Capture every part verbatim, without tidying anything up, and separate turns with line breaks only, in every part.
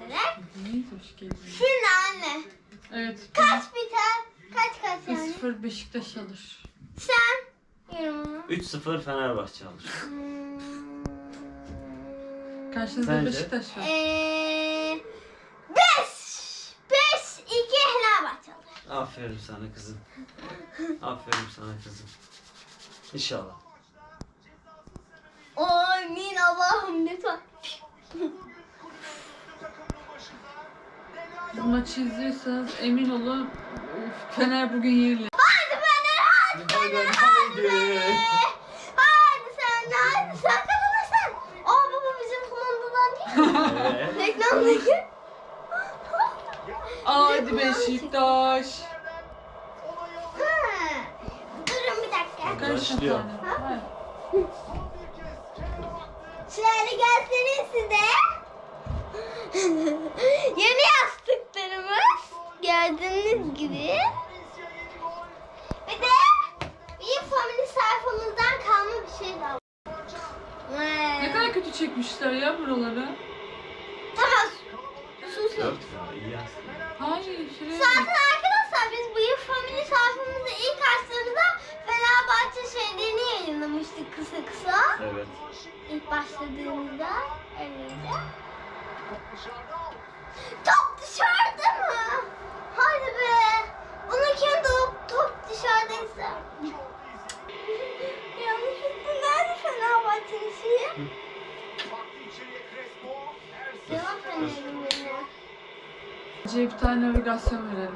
arkadaşlar.
Hoş geldin.
Şimdi anne.
Evet.
Kaç biter? Kaç kaç
bir
yani?
sıfır Beşiktaş alır.
Sen? Yorumunu.
üç sıfır Fenerbahçe alır.
Hmm.
Karşınızda
Sence?
Beşiktaş var.
Eee beş. beş iki Fenerbahçe alır.
Aferin sana kızım. Aferin sana kızım. İnşallah.
Amin Allah'ım lütfen.
Bu maçı izliyorsanız emin olun Fener bugün yenilir.
Hadi Fener hadi Fener hadi. Hadi sen hadi sen kazanırsın. Aa baba bizim kumandadan değil mi?
Evet.
Reklamdaki.
Hadi Beşiktaş.
Ha. Durun bir dakika.
Kaç
Başlıyor.
tane? Ha?
Şöyle göstereyim size. Yeni yastıklarımız. Gördüğünüz gibi. Bir de bir family sayfamızdan kalma bir şey var.
Ne kadar kötü çekmişler ya buraları.
Tamam. Susun.
Dört ya, iyi aslında.
Hayır şuraya
Zaten
bak.
arkadaşlar biz bu yıl family sayfamızda ilk açtığımızda Fenerbahçe şeylerini yayınlamıştık kısa kısa.
Evet.
İlk başladığımızda öyleydi. Top dışarıda mı? Hadi be. Bununki top, top dışarıdaysa. Yanlışlıkla nerede Fenerbahçe'nin şeyi? Cevap verelim beni.
Bence bir tane navigasyon verelim.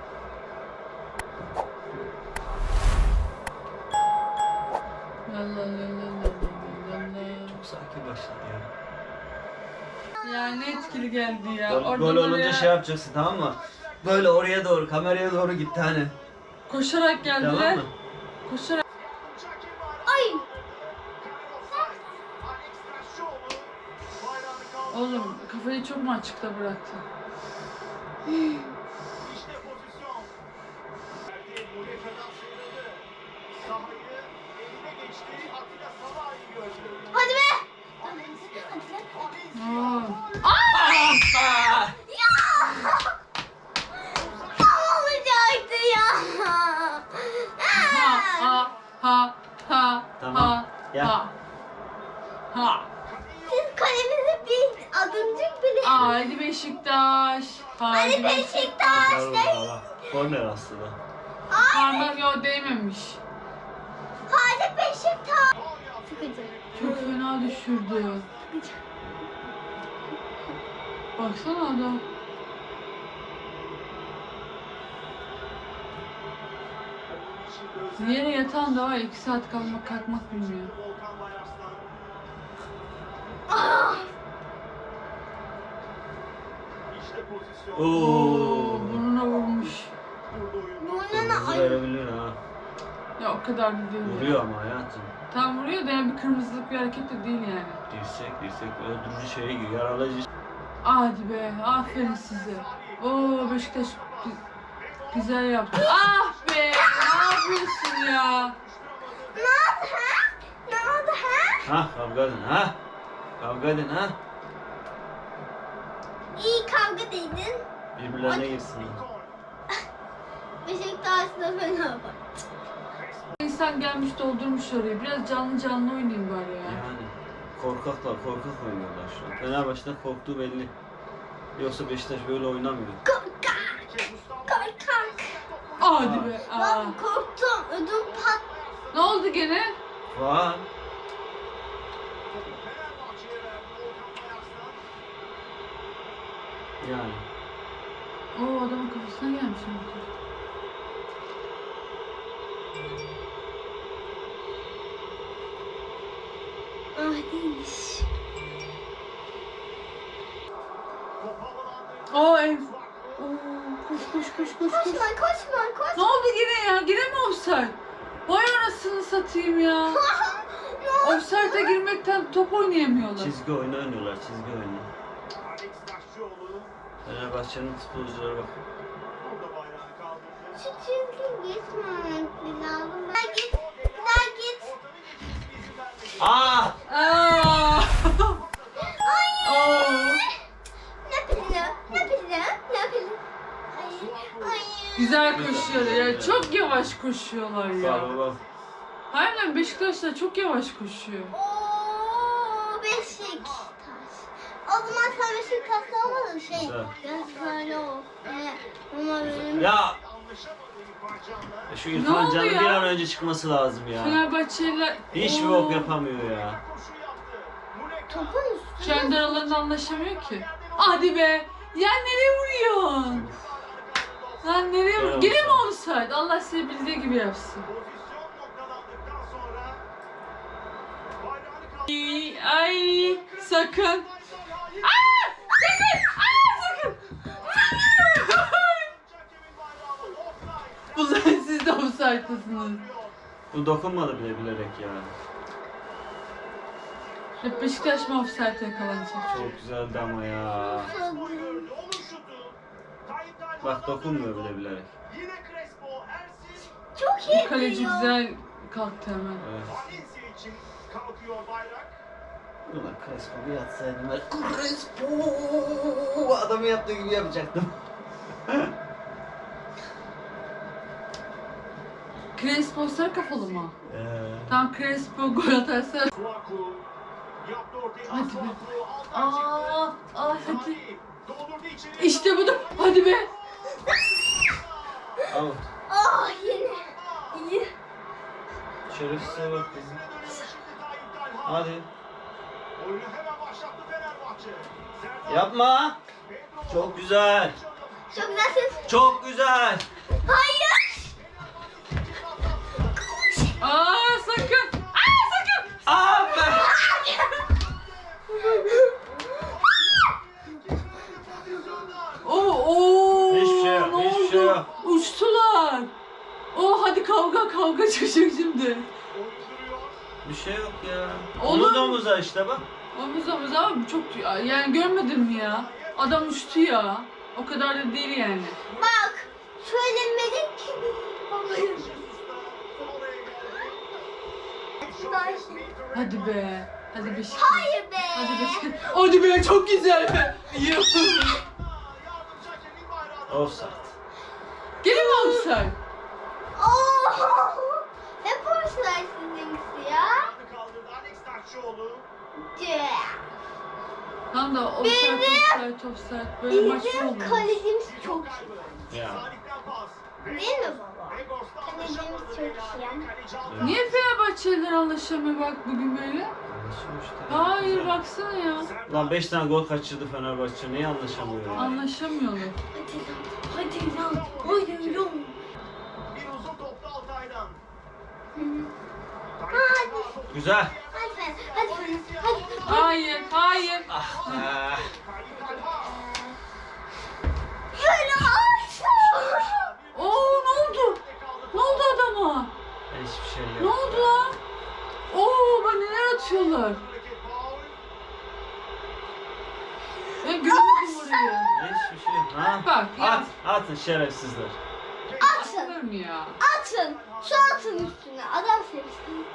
La la la la la la la.
Çok sakin başladı ya.
Ya ne etkili geldi ya.
Gol,
Oradan
gol olunca
oraya
şey yapacaksın, tamam mı? Böyle oraya doğru, kameraya doğru gitti hani.
koşarak geldiler.
Tamam mı?
Koşarak.
Ay.
Oğlum kafayı çok mu açıkta bıraktın?
Hadi be.
Aa.
Aa!
Ya. Tam olacaktı ya.
Ha ha ha ha
Tamam,
ha
gel.
ha ha.
Siz kalemize bir adımcık bile.
Haydi Beşiktaş.
Hadi Beşiktaş.
Güzel oldu valla. Korner aslında.
Parmak yo değmemiş.
Hadi Beşiktaş. Sıkıcı.
Çok fena düşürdü.
Sıkıcı.
Baksana adam. Yere yatan da var, iki saat kalmak kalkmak bilmiyor.
Ah.
Oo.
Oo, burnuna vurmuş.
Burnuna
Kırmızı
ay.
verebilir ha.
Ya o kadar da değil. ya.
Vuruyor ama hayatım.
Tam vuruyor da yani bir kırmızılık bir hareket de değil yani.
Dirsek dirsek öldürücü şeye giriyor. Yaralayıcı.
Hadi be, aferin size. Oo Beşiktaş gü- güzel yaptı. Ah be, ne yapıyorsun ya?
Ne oldu ha? Ne oldu ha?
Ha kavga edin ha. Kavga edin ha.
İyi kavga dedin.
Birbirlerine girsin.
Beşiktaş'la Fenerbahçe.
İnsan gelmiş doldurmuş orayı. Biraz canlı canlı oynayayım bari ya.
Yani korkaklar korkak oynuyorlar şu an. Fenerbahçe'den korktuğu belli. Yoksa Beşiktaş böyle oynamıyor.
Korkak. Korkak.
Hadi be. Aa.
Lan korktum. Ödüm pat.
Ne oldu gene?
Var. Yani.
Oo adamın kafasına gelmiş.
Ah değilmiş.
Oo ev. Oo koş koş koş koş koş.
Koşma koşma
Ne
koşma.
oldu yine ya? Yine mi offside? Vay anasını satayım ya.
Ne oldu?
Offside'a girmekten top oynayamıyorlar.
Çizgi oyunu oynuyorlar, çizgi oyunu. Fenerbahçe'nin futbolculara bak.
Şu çizgi geçmemesi lazım. Daha git. Daha git.
Aa!
Aa!
Ay.
Oo!
Ne peki?
Güzel
Güzel,
koşuyorlar
güzel,
ya.
güzel.
Çok yavaş koşuyorlar ya.
Bak bak bak.
Harbiden Beşiktaşlar çok yavaş koşuyor.
Oo Beşiktaş. O zaman sen Beşiktaş'ta olmadın şey.
Güzel.
Biraz böyle ol. Ee, ama benim...
Ya şu İrfan
oldu
Can'ın
ya?
bir an önce çıkması lazım ya.
Fenerbahçeliler
Hiçbir
Oo,
bok yapamıyor ya.
Topun üstüne.
kendi aralarında anlaşamıyor ki. Hadi be. Ya nereye vuruyorsun? Lan nereye vuruyorsun? Gene mi offside? Allah size bildiği gibi yapsın. Ay, ay sakın. Aa! Sakın! Aa sakın! Bunlar siz de offside'lısınız.
Bu dokunmadı bile bilerek ya.
Hep Beşiktaş mı offside yakalanacak?
Çok güzeldi ama ya. Bak dokunmuyor bile bilerek.
Çok iyi.
Bu kaleci
diyor.
güzel kalktı hemen.
Evet. Ulan Crespo bir yatsaydım ben. Crespo! Adamı yaptığı gibi yapacaktım.
Crespo sarı kafalı mı?
Ee,
Tam Crespo gol atarsa. Hadi be. Aa, aa hadi. İşte bu da. Hadi be.
al.
Oh yine. İyi.
Şerefsize bak bizim. Hadi. Yapma. Çok güzel.
Çok güzelsin.
Çok güzel.
Hayır.
Aa sakın. Aa sakın.
Aa be.
Oo, oo.
Hiçbir şey yok,
ne
hiçbir
oldu?
şey yok.
Uçtular. Oo hadi kavga kavga çıkacak şimdi.
Bir şey yok ya.
Olur.
Omuz omuza işte bak.
Omuz omuz abi çok yani görmedin mi ya? Adam uçtu ya. O kadar da değil yani.
Bak. Şöyle melek gibi. Hayır.
Hadi be. Hadi Beşiktaş.
Hayır be.
Hadi Beşiktaş. Hadi be çok güzel be. Yuh.
Offside.
Gene mi offside?
Oh. Hep hoşlar sizinkisi ya. Yeah.
Tam da offside
Bizim-
offside offside. Böyle maç mı
Bizim
olur?
kalecimiz çok iyi.
Ya.
Değil mi baba? Kalecimiz çok iyi.
Niye Fenerbahçeliler anlaşamıyor bak bugün böyle?
Anlaşılıyor işte.
Hayır
Güzel.
baksana ya.
Lan beş tane gol kaçırdı Fenerbahçe. Niye anlaşamıyor ya?
Anlaşamıyorlar.
Hadi lan. Hadi lan.
Bir uzun topta Altay'dan.
Hadi.
Güzel.
Hadi Fen. Hadi Fen. Hadi.
Hayır, hayır.
Ah.
Şöyle aşağı.
Oo ne oldu? Ne oldu adama?
Hiçbir şey yok.
Ne oldu lan? Oo bak neler atıyorlar. Ben görmedim orayı.
Hiçbir şey yok. Ha?
Bak ya.
At, atın şerefsizler.
Atın.
Atılır mı ya?
Atın. Şu atın üstüne. Adam sevsin.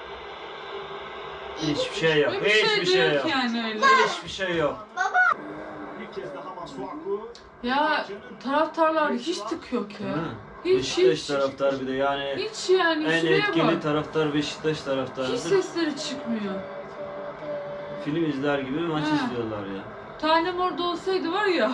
Hiçbir şey yok.
Böyle bir şey
Hiçbir
de
şey
yok
yok.
yani öyle.
Hiçbir şey yok.
Baba.
Bir kez daha Masuaku.
Ya taraftarlar hiç tık yok
Değil
ya.
mi?
Hiç
Beşiktaş
hiç.
taraftar bir de yani
Hiç yani
en
şuraya
etkili
bak.
taraftar Beşiktaş
Hiç
taraftarıdır.
sesleri çıkmıyor.
Film izler gibi maç
Ha.
izliyorlar ya.
Tanem orada olsaydı var ya.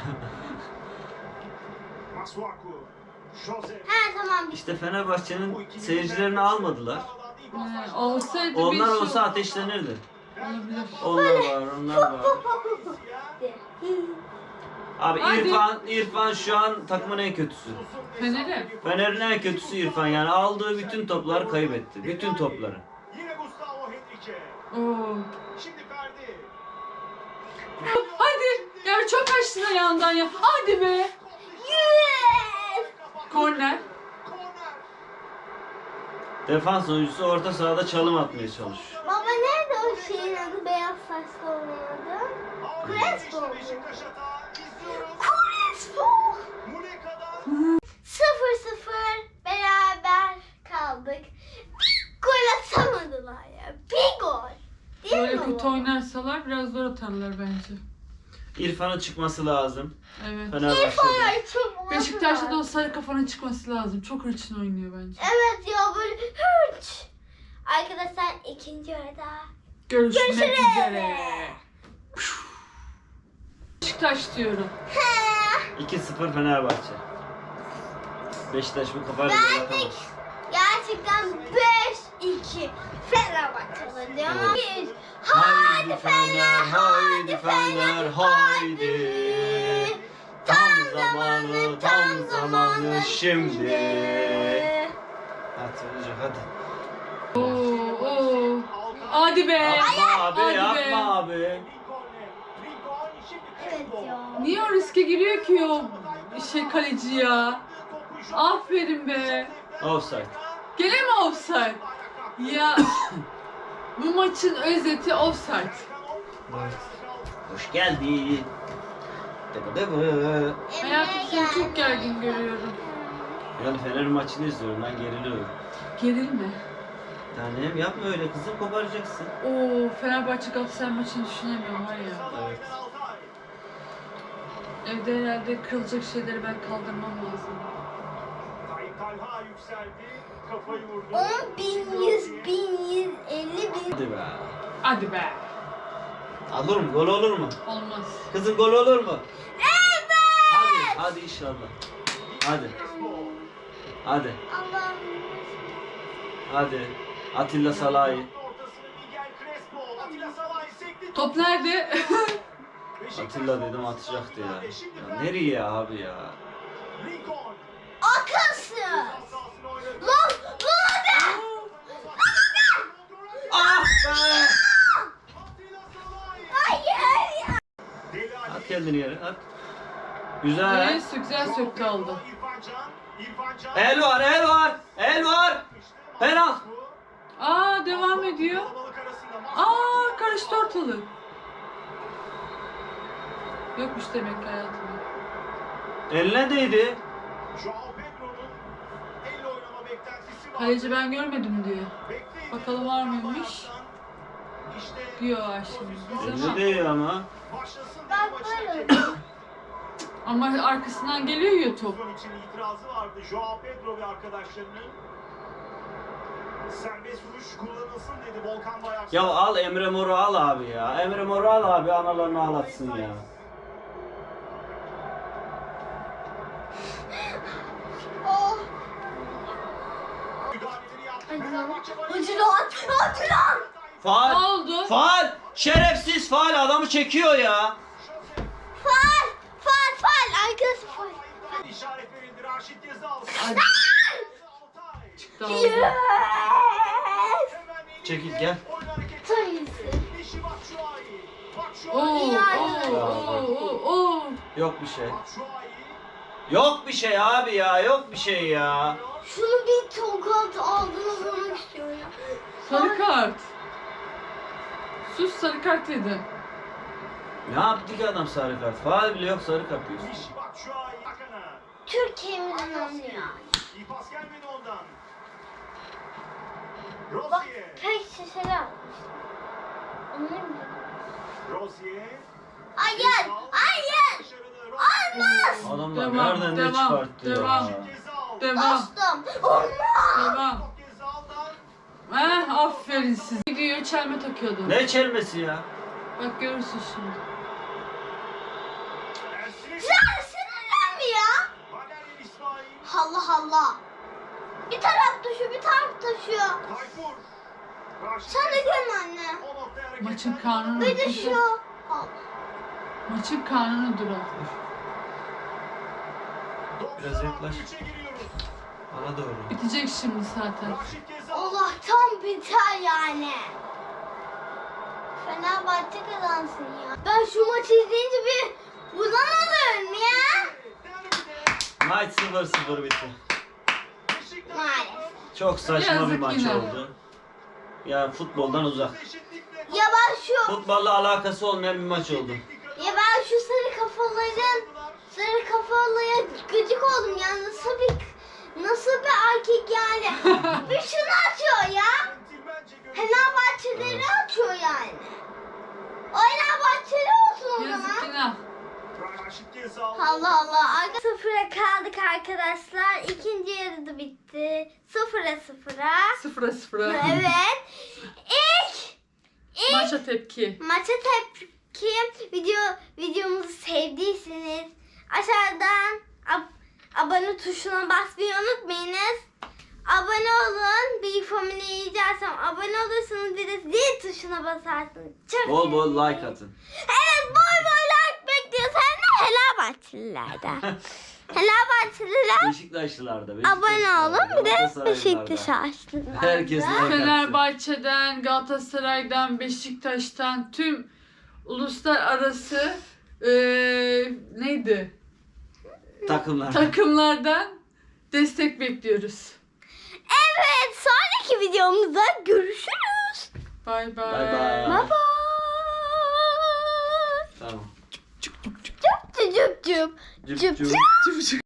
Masuaku. Jose.
He tamam.
İşte Fenerbahçe'nin seyircilerini almadılar.
He, olsaydı
Onlar
bir şey
olsa ateşlenirdi.
olabilir.
Onlar var, onlar var. Abi
Hadi.
İrfan, İrfan şu an takımın en kötüsü.
Fener'e.
Fener'in en kötüsü İrfan yani aldığı bütün topları kaybetti. Bütün topları.
Yine Gustavo Henrique.
Oo.
Şimdi Ferdi.
Hadi. Ya çok açtın ayağından ya. Hadi be.
Yes.
Korner.
Korner.
Defans oyuncusu orta sahada çalım atmaya çalışıyor.
Baba nerede o şeyin adı beyaz saçlı olan adı? Crespo.
İşte Beşiktaş hata. İzliyoruz.
Crespo.
Muleka'dan.
Sıfır sıfır beraber kaldık. Bir gol atamadılar ya. Bir gol. Değil
Böyle
mi
kötü
baba?
oynarsalar biraz zor atarlar bence.
İrfan'ın çıkması lazım.
Evet.
Fenerbahçe'de.
Ay çok
Beşiktaş'ta da o sarı kafanın çıkması lazım. Çok hırçın oynuyor bence.
Evet ya böyle hırç. Arkadaşlar ikinci yarıda.
Görüşmek
Görüşürüz.
üzere. Beşiktaş diyorum.
iki sıfır Fenerbahçe. Beşiktaş bu kafayla gol
Ben de
atamaz.
gerçekten beş iki Fenerbahçe diyorum. Bir.
Haydi Fener, haydi Fener, haydi. Tam zamanı, tam zamanı şimdi. Hadi olacak hadi.
Oo, oo. Hadi be.
Yapma abi,
Hadi be.
yapma abi.
Lincoln'le. Lincoln şimdi
Evet
Crespo.
ya.
Niye o riske giriyor ki o şey kaleci ya?
Topu şu-
Aferin be.
Offside.
Gene mi offside? Ya bu maçın özeti offside.
Hoş geldin. Dıbı dıbı.
Hayatım seni çok gergin görüyorum.
Yani Fener maçını izliyorum, ben geriliyorum.
Gerilme.
Tanem yapma öyle kızım, koparacaksın.
Oo, Fenerbahçe Galatasaray maçını düşünemiyorum var ya.
Evet.
Evde herhalde kırılacak şeyleri ben kaldırmam lazım.
Tayyip Talha yükseldi. Kafayı vurdu.
On bin yüz bin yüz elli bin.
Hadi be.
Hadi be.
Olur mu? Gol olur mu?
Olmaz.
Kızım gol olur mu?
Evet.
Hadi, hadi inşallah. Hadi, hadi,
Allah'ım.
hadi. Atilla Salahi.
Ortasını Miguel Crespo. Atilla Salah'ı sekti.
Top nerede?
Atilla dedim atacaktı ya. Ya nereye abi ya?
Lincoln.
Akılsız.
Sahasını oynadı.
Lan lan hadi.
Ah be!
Atilla Salahi.
Hayır ya.
Deli Ali.
At kendini yere, at. Güzel.
Neyse güzel söktü aldı.
İrfan Can. İrfan Can.
El var, el var, el var. Penaltı.
Aa devam ediyor.
Kalabalık arasında
Aa karıştı ortalık. Yokmuş demek ki hayatımda.
Eline değdi.
Joao Pedro'nun elle oynama beklentisi var.
Kaleci ben görmedim diyor.
Bekleydi.
Bakalım var mıymış?
İşte
Diyor var şimdi.
Eline
Ama,
değiyor ama.
başlasın
Bak
maçın
böyle.
hakemi.
ama arkasından geliyor ya top.
Pozisyon için itirazı vardı Joao Pedro ve arkadaşlarının. Serbest vuruş kullanılsın dedi Volkan Bayar.
Ya al Emre Mor'u al abi ya. Emre Mor'u al abi, analarını ağlatsın ya.
Oh.
Müdahaleleri yaptı.
Hadi lan.
Fenerbahçe bayıldı.
Hadi lan. Hadi lan.
Ne
Faal.
oldu?
Faal. Şerefsiz faal, adamı çekiyor ya.
Fal. Fal fal. Arkası fal.
İşaret verildi. Raşit Gezal.
Hadi.
Altay.
Çıktı aldı.
Yes.
Hemen elinde
Çekil, gel.
oyun hareketi.
Sayısı.
Dişi Batshuayi.
Oo,
Batshuayi.
oo, oo, oo, oo.
Yok bir şey.
Batshuayi.
Yok bir şey abi ya, yok bir şey ya.
Şunu bir tokat aldığını vurmak istiyorum ya.
Sarı kart. Sus sarı kart yedi.
Ne yaptı ki adam sarı kart? Faal bile yok, sarı kart diyorsun.
Dişi Batshuayi. Hakan'a.
Türkiye'mizin anlıyor.
İyi pas gelmedi ondan.
Bak
Rozier.
pek şişeler almış. Anlıyor musun?
Rozier.
Hayır. Hayır.
Dışarıda Rozier.
Olmaz.
Adamlar
Devam,
nereden ne
devam,
çıkarttı
devam.
ya?
Gezal.
Devam.
Bastım. Olmaz.
Devam.
Top Gezal'dan.
Heh, aferin siz. Gidiyor çelme takıyordu.
Ne çelmesi ya?
Bak görürsün şimdi.
Ersin.
Sen sinirlenme ya.
Valerian İsmail.
Allah Allah. Bir taraf düşüyor, bir taraf düşüyor.
Tayfur. Raşit
Sen de
Gezal.
görün anne.
O noktaya hareketler.
Maçın kanunu.
Bir düşüyor. Allah.
Maçın kanunu duran.
Biraz yaklaş.
doksan üçe giriyoruz.
Bana doğru.
Bitecek şimdi zaten.
Raşit Gezal.
Allah'tan biter yani. Fenerbahçe kazansın ya. Ben şu maçı izleyince bir uzanalım ya.
Derbide.
Maç sıfır sıfır bitti.
Beşiktaş.
Maalesef.
Çok saçma
Yazık
bir maç
yine.
oldu. Ya futboldan uzak.
Eşitlikle
Ya ben şu,
Futbolla alakası olmayan bir maç oldu.
ya ben şu sarı kafaların, sarı kafalıya gıcık oldum ya. Nasıl bir, nasıl bir erkek yani. Bir şunu atıyor ya.
centilmence görüntü.
Fenerbahçeleri atıyor yani. O Fenerbahçeli olsa olsun o
Yazık
zaman.
günah.
Raşit Gezal.
Allah Allah. Arka sıfıra kaldık arkadaşlar. İkinci yarıda bitti. Sıfıra sıfıra.
Sıfıra sıfıra.
Evet. İlk, ilk
Maça tepki.
maça tepki video videomuzu sevdiyseniz aşağıdan ab- abone tuşuna basmayı unutmayınız. Abone olun. Büyük Family'yi izlersem abone olursunuz. Bir de zil tuşuna basarsınız. Çok
Bol bol
sevinirim.
like atın.
Evet, bol bol like bekliyoruz. Hem de Fenerbahçelilerden. Fenerbahçeliler
Beşiktaşlılarda.
abone olun. Bir de
Galatasaraylılarda.
Beşiktaşlılar.
Herkes like atsın.
Fenerbahçe'den, Galatasaray'dan, Beşiktaş'tan tüm uluslararası eee neydi?
Takımlar.
Takımlardan destek bekliyoruz.
Evet, sonraki videomuzda görüşürüz.
Bay bay.
Bay bay.
Bye bye.
Tamam.
Cüp cüp cüp.
Cüp
Cüp
cüp.
cüp.